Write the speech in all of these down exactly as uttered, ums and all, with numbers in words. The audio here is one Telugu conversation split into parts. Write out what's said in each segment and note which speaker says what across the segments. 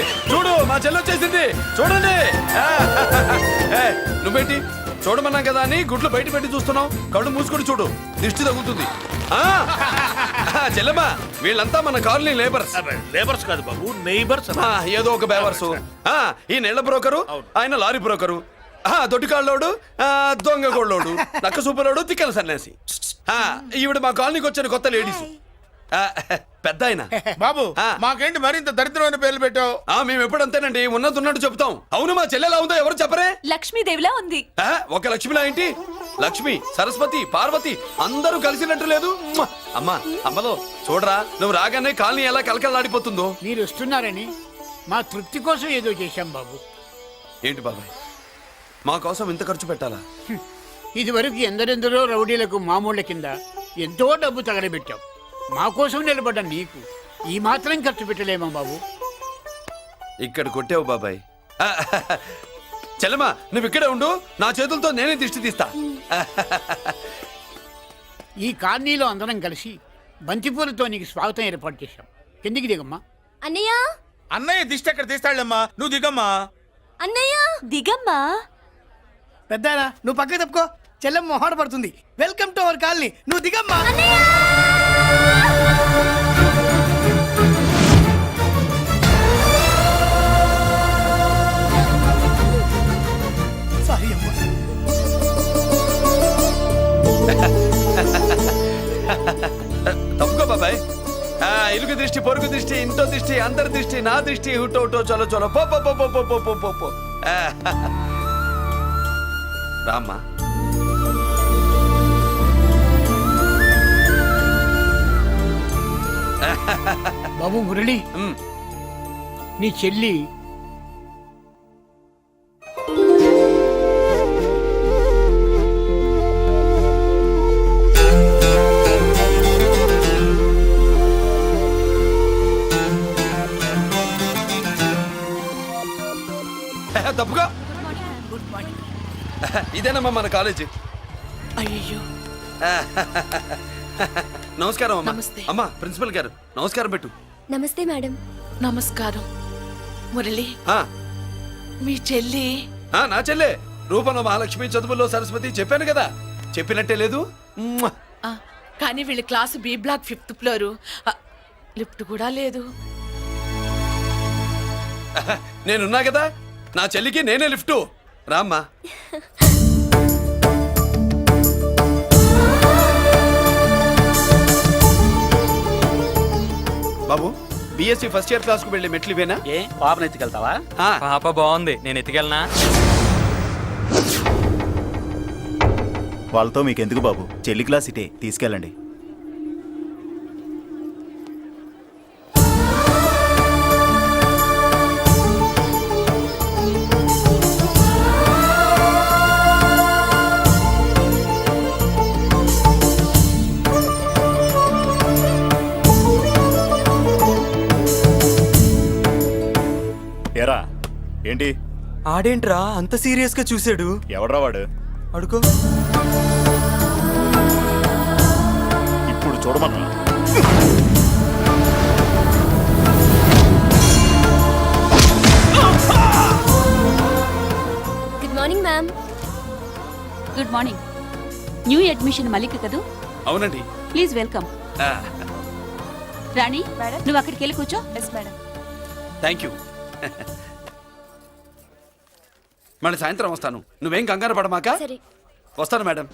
Speaker 1: చూడు మా చెల్లి వచ్చేసింది చూడండి. నువ్వేంటి చూడమన్నా కదా అని గుడ్లు బయట పెట్టి చూస్తున్నావు. కళ్ళు మూసుకొని చూడు, దిష్టి తగ్గుతుంది. చెల్లెమ్మా వీళ్ళంతా మన కాలనీ లేబర్స్.
Speaker 2: లేబర్స్ కాదు బాబు, నైబర్స్.
Speaker 1: ఏదో ఒక బేవర్సు. ఈ నెల బ్రోకరు, ఆయన లారీ బ్రోకరు, దొడ్డికాళ్ళోడు, దొంగ గోళ్ళోడు, నక్క సూపరోడు, తిక్కల సన్యాసి. ఈవిడ మా కాలనీకి వచ్చిన కొత్త లేడీస్. పెద్ద ఆయన
Speaker 2: బాబు మాకేంటి మరింత దరిద్రమైన పేర్లు పెట్టావు?
Speaker 1: మేము ఎప్పుడంతేనండి ఉన్నది ఉన్నట్టు చెప్తాం. అవును మా చెల్లెలా ఉందో ఎవరు చెప్పరే?
Speaker 3: లక్ష్మీదేవిలా ఉంది.
Speaker 1: ఒక లక్ష్మిలా ఏంటి? లక్ష్మి, సరస్వతి, పార్వతి అందరూ కలిసినట్టు లేదు. అమ్మా అమ్మలో చూడరా, నువ్వు రాగానే కాలనీ ఎలా కలకలాడిపోతుందో.
Speaker 4: మీరు వస్తున్నారని మా తృప్తి కోసం ఏదో చేశాం బాబు.
Speaker 1: ఏంటి బాబాయ్ మా కోసం ఇంత ఖర్చు పెట్టాలా?
Speaker 4: ఇది వరకు ఎందరెందరో రౌడీలకు మామూళ్ళ కింద ఎంతో డబ్బు తగలబెట్టాం. మా కోసం నిలబడ్డ నీకు ఈ మాత్రం ఖర్చు పెట్టలేమా బాబు?
Speaker 1: ఇక్కడ కొట్టావు బాబాయ్. చెల్లెమ్మా నువ్వు ఇక్కడే ఉండు, నా చేతులతో నేనే దిష్టి తీస్తా.
Speaker 4: ఈ కాలనీలో అందరం కలిసి బంతిపూలతో నీకు స్వాగతం ఏర్పాటు చేశాం. కిందికి దిగమ్మా.
Speaker 3: అన్నయ్య
Speaker 2: అన్నయ్య దిష్టి ఎక్కడ తీస్తాడమ్మా, నువ్వు దిగమ్మా.
Speaker 3: అన్నయ్య దిగమ్మా.
Speaker 5: పెద్దారా నువ్వు పక్కకి తప్పుకో, చెల్లెమ్మ మొహాట పడుతుంది. వెల్కమ్ టు అవర్ కాలనీ, నువ్వు దిగమ్మా. సారీ అమ్మా.
Speaker 1: తప్పుకో బాబాయ్. ఇరుగు దృష్టి, పొరుగు దృష్టి, ఇంటో దృష్టి, అందరి దృష్టి, నా దృష్టి, హుటో హుటో చలో చలో పో పో పో పో పో పో పో పో. రామ్మా.
Speaker 4: బాబు మురళి, నీ చెల్లి
Speaker 1: తప్పుగా. ఇదేనమ్మా మన కాలేజీ.
Speaker 3: అయ్యో
Speaker 1: నమస్కారం అమ్మా. అమ్మా ప్రిన్సిపల్ గారు నమస్కారం పెట్టు.
Speaker 3: నమస్తే మేడం. నమస్కారం. మురళి మీ చెల్లి?
Speaker 1: నా చెల్లె రూపంలో మహాలక్ష్మి, చదువుల్లో సరస్వతి. చెప్పాను కదా, చెప్పినట్టే లేదు.
Speaker 3: కానీ వీళ్ళ class B block fifth floor, lift కూడా లేదు.
Speaker 1: నేనున్నా కదా, నా చెల్లికి నేనే లిఫ్టు. రామ్మా. బాబు బిఎస్సి ఫస్ట్ ఇయర్ క్లాస్ కు వెళ్ళి మెట్లు ఇవేనా?
Speaker 6: ఏ పాపను ఎత్తుకెళ్తావా?
Speaker 7: పాప బాగుంది, నేను ఎత్తుకెళ్ళనా?
Speaker 8: వాళ్ళతో మీకెందుకు బాబు, చెల్లి క్లాస్ ఇటే, తీసుకెళ్ళండి. ఎరా ఏంటి
Speaker 7: ఆడేంట్రా అంత సీరియస్ గా చూసాడు?
Speaker 8: ఎవడ్రా వాడు?
Speaker 7: అడుకో.
Speaker 8: ఇప్పుడు చూడమన్నా.
Speaker 3: Good morning ma'am.
Speaker 9: Good morning. New admission Mallika కదూ?
Speaker 1: అవునండి.
Speaker 9: Please welcome. రాణి నువ్వు అక్కడికి వెళ్ళి కూర్చో.
Speaker 3: Yes madam.
Speaker 1: Thank you. మళ్ళీ సాయంత్రం వస్తాను, నువ్వేం కంగారు పడమాక. వస్తాను మేడం.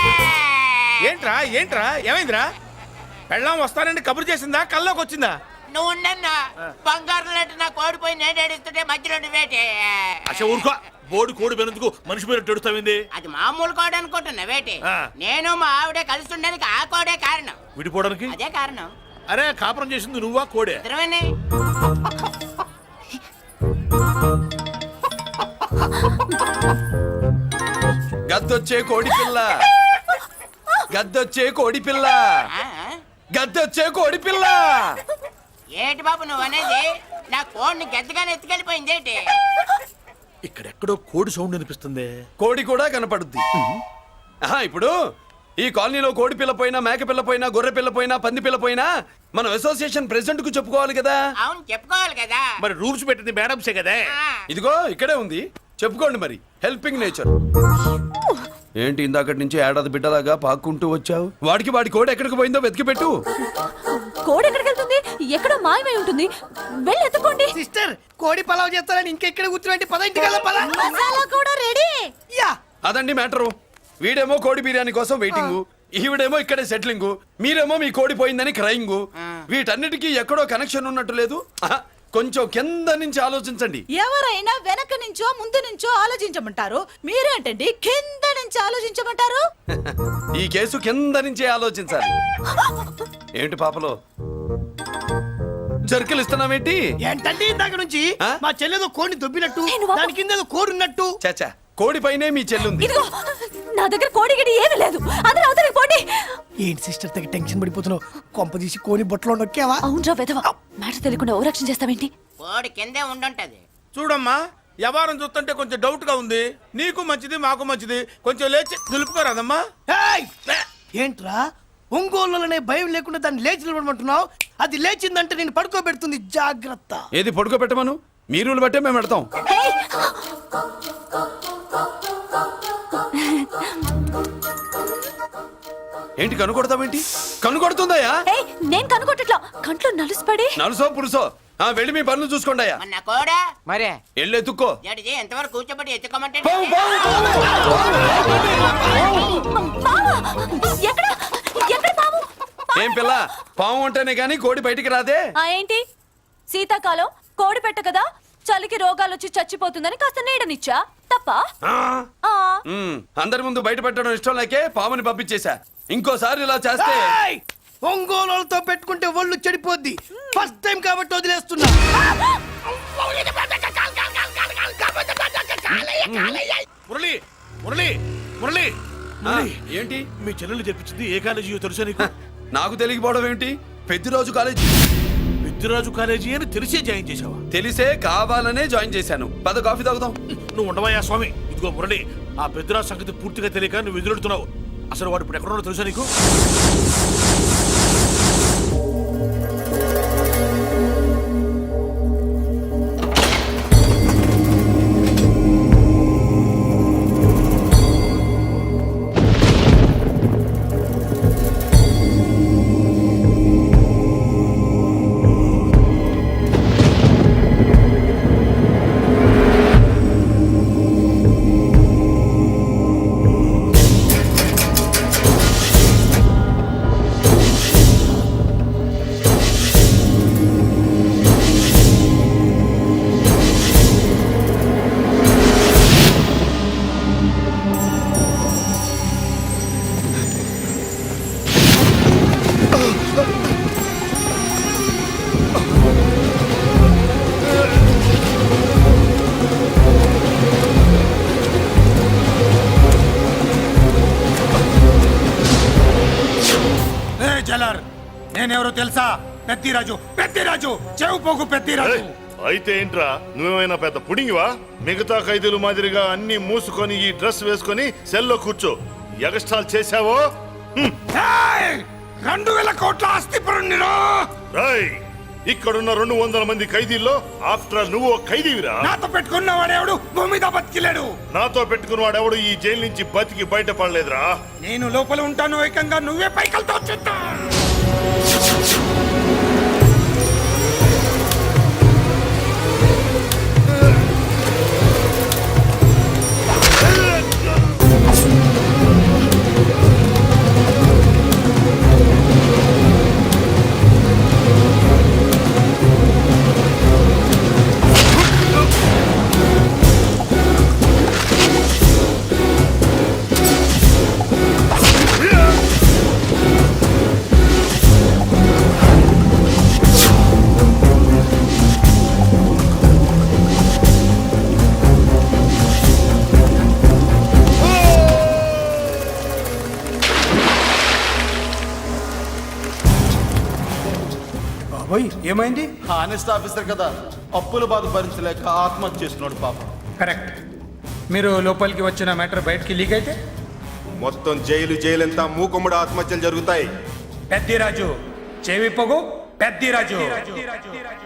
Speaker 2: ఏంట్రా ఏంట్రా ఏమైందిరా? పెళ్ళాం వస్తానండి కబురు చేసిందా, కల్లోకి వచ్చిందా?
Speaker 6: నువ్వు ఉండన్నా బంగారం లాంటి నా కోడిపోయి నేను ఏడుస్తుంటే మధ్యలో నువ్వేటే
Speaker 2: అసలు ఊరుకో బోడి కోడి పెనందుకు మనిషి మీద తెడుస్తావింది.
Speaker 6: అది మామూలు కోడి అనుకుంటున్నా వేటి
Speaker 2: ఆ.
Speaker 6: నేను మా ఆవిడే కలిసి ఉండడానికి ఆ కోడే కారణం
Speaker 2: విడిపోవడానికి
Speaker 6: అదే కారణం
Speaker 2: అరే కాపురం చేసింది నువ్వా కోడే?
Speaker 6: ఇద్దరమేనే
Speaker 1: గద్దొచ్చే కోడి పిల్ల గద్దొచ్చే కోడి పిల్ల
Speaker 6: ఆ?
Speaker 1: గద్దొచ్చే కోడి పిల్ల
Speaker 6: ఏటి బాబు నువ్వు అనేది నా కోడిని గెద్దగానే ఎత్తుకెళ్ళిపోయింది ఏంటి
Speaker 2: ఇక్కడెక్కడో కోడి సౌండ్ అనిపిస్తుంది.
Speaker 1: కోడి కూడా కనపడుద్ది. ఆహా, ఇప్పుడు ఈ కాలనీలో కోడి పిల్ల పోయినా మేక పిల్ల పోయినా గొర్రె పిల్ల పోయినా పంది పిల్ల పోయినా మనం అసోసియేషన్ ప్రెసిడెంట్ కు చెప్పుకోవాలి కదా.
Speaker 6: అవును చెప్పుకోవాలి కదా
Speaker 2: మరి రూల్స్ పెట్టింది మేడమ్సే కదా.
Speaker 6: ఆ.
Speaker 1: ఇదిగో ఇక్కడే ఉంది, చెప్పుకోండి మరి. Helping nature. ఏంటి ఇందాకటి నుంచి ఏడాది బిడ్డలాగా పాక్కుంటూ వచ్చావు? వాడికి వాడి కోడి ఎక్కడికి పోయిందో వెతికి పెట్టు.
Speaker 9: కోడి ఎక్కడికి వెళ్తుంది? ఎక్కడో మాయమై ఉంటుంది. వెళ్ళి ఎత్తుకోండి.
Speaker 5: సిస్టర్ కోడి పలావ్ చేస్తారని ఇంకెక్కడ కూర్చోండి పద ఇంటికి పద
Speaker 9: మసాలా కూడా రెడీ.
Speaker 5: యా
Speaker 1: అదండి మ్యాటరు. వీడేమో కోడి బిర్యానీ కోసం వెయిటింగ్, ఈవిడేమో ఇక్కడే సెటిలింగ్, మీరేమో మీ కోడి పోయిందని క్రయింగ్. వీటన్నిటికీ ఎక్కడో కనెక్షన్ ఉన్నట్టు లేదు. ఆహా, కొంచెం కింద నుంచి ఆలోచించండి.
Speaker 3: ఎవరైనా వెనక నుంచో ముందు నుంచో ఆలోచించమంటారు, మీరేంటండి కింద నుంచి ఆలోచించమంటారు?
Speaker 1: ఈ కేసు కింద నుంచే ఆలోచించాలి. ఏంటి పాపలో జర్కలు ఇస్తున్నావేంటి?
Speaker 5: ఏంటంటే ఇందాక నుంచి
Speaker 1: ఆ?
Speaker 5: మా చెల్లెదో కోడిని దొబ్బినట్టు
Speaker 9: నేను వాపు-
Speaker 5: దాని కింద ఏదో కోడి ఉన్నట్టు.
Speaker 1: చాచా, కోడి పైనే మీ చెల్లుంది.
Speaker 9: ఇదిగో నా దగ్గర కోడి గిడి ఏమీ లేదు. అందరూ అవతలికి పోండి.
Speaker 5: ఏంటి సిస్టర్ తగ్గ టెన్షన్ పడిపోతున్నావు? కొంప తీసి కోని బొట్టలో నొక్కావా?
Speaker 9: అవునరా వెధవ. మాట తెలియకుండా ఓ రక్షణ చేస్తావేంటి?
Speaker 6: కోడి కిందే ఉండుంటది
Speaker 2: చూడమ్మా వ్యవహారం చూస్తుంటే కొంచెం డౌట్ గా ఉంది. నీకు మంచిది మాకు మంచిది, కొంచెం లేచి నిలుపుకోరాదమ్మా.
Speaker 5: ఏయ్! ఏంట్రా ఒంగోలులోనే భయం లేకుండా దాన్ని లేచి నిలబడమంటున్నావు? అది లేచిందంటే నేను పడుకోబెడుతుంది, జాగ్రత్త.
Speaker 1: ఏది పడుకోబెట్టమను, మీ రూల్ బట్టే మేము పెడతాం.
Speaker 9: ఏయ్!
Speaker 1: ఏంటి కనుకొడతావేంటి? కనుకొడుతుందయ్యా?
Speaker 9: ఏయ్, నేను కనుకోవట్లా. కంట్లో నలుసుపడి.
Speaker 1: నలుసో పురుసో ఆ, వెళ్ళి మీ పనులు చూసుకోండి అయ్యా.
Speaker 6: మన కోడా
Speaker 5: మరే
Speaker 1: వెళ్ళి ఎత్తుక్కో.
Speaker 6: జడిది ఎంతవరకు కూర్చోబెట్టి ఎత్తుకోమంటే
Speaker 1: పావు, పావు,
Speaker 9: పాము! ఎక్కడ ఎక్కడ పాము?
Speaker 1: ఏం పిల్ల, పాము అంటేనే గాని కోడి బయటికి రాదే.
Speaker 9: ఆ ఏంటి శీతాకాలం కోడి పెట్ట కదా, చలికి రోగాలు వచ్చి చచ్చిపోతుందని కాస్త నీడనిచ్చా తప్ప.
Speaker 1: ఆ,
Speaker 9: ఆ,
Speaker 1: ఉమ్, అందరి ముందు బయట పెట్టడం ఇష్టం లేకే పాముని పంపించేశా. ఇంకోసారి ఇలా చేస్తే
Speaker 5: ఏయ్! ఒంగోలులతో పెట్టుకుంటే ఒళ్ళు చెడిపోద్ది. ఫస్ట్ టైం కాబట్టి వదిలేస్తున్నా.
Speaker 2: మురళి మురళి మురళి
Speaker 1: ఆ, ఏంటి
Speaker 2: మీ చెల్లెలు చెప్పించింది ఏ కాలేజీ తెలుసా నీకు?
Speaker 1: నాకు తెలియకపోవడం ఏంటి? పెద్దిరాజు కాలేజీ.
Speaker 2: విద్యరాజు కాలేజీ అని తెలిసే జాయిన్ చేసావా?
Speaker 1: తెలిసే కావాలనే జాయిన్ చేశాను. పద కాఫీ తాగుదాం.
Speaker 2: నువ్వు ఉండవయ్యా స్వామి. ఇదిగో మురళి, ఆ పెద్దరాజు సంగతి పూర్తిగా తెలియక నువ్వు ఎదురెడుతున్నావు. అసలు వాడు ఇప్పుడు ఎక్కడున్నాడో తెలుసా నీకు? నేనెవరో తెలుసా? పెద్దిరాజు, పెద్దిరాజు, చెవు పోగు పెద్దిరాజు.
Speaker 10: అయితే ఏంట్రా, నువ్వేమైనా పెద్ద పుడింగివా? మిగతా ఖైదీలు మాదిరిగా అన్ని మూసుకొని ఈ డ్రెస్ వేసుకొని సెల్లో కూర్చో. ఎగస్ట్రాల్ చేశావో
Speaker 2: రెండు వేల కోట్ల ఆస్తి పరుణ్ణిరా.
Speaker 10: రాయ్, ఇక్కడున్న రెండు వందల మంది ఖైదీల్లో ఆఫ్టర్ ఆల్ నువ్వు ఒక ఖైదీవిరా.
Speaker 2: నాతో పెట్టుకున్నవాడెవడు భూమి మీద బతికిలేడు.
Speaker 10: నాతో పెట్టుకున్నవాడెవడు ఈ జైలు నుంచి బతికి బయటపడలేదురా.
Speaker 2: నేను లోపల ఉంటాను, ఏకంగా నువ్వే పైకలతో వచ్చేస్తా. ఓయ్ ఏమైంది?
Speaker 11: హానెస్ట్ ఆఫీసర్ కదా, అప్పుల బాధ భరించలేక ఆత్మహత్య చేసుకున్నాడు పాపం.
Speaker 2: కరెక్ట్. మీరు లోపలికి వచ్చిన మ్యాటర్ బయటికి లీక్ అయితే
Speaker 11: మొత్తం జైలు జైలంతా మూకుమ్మడి ఆత్మహత్యలు జరుగుతాయి.
Speaker 2: పెద్దిరాజు చెవి పొగు పెద్దిరాజు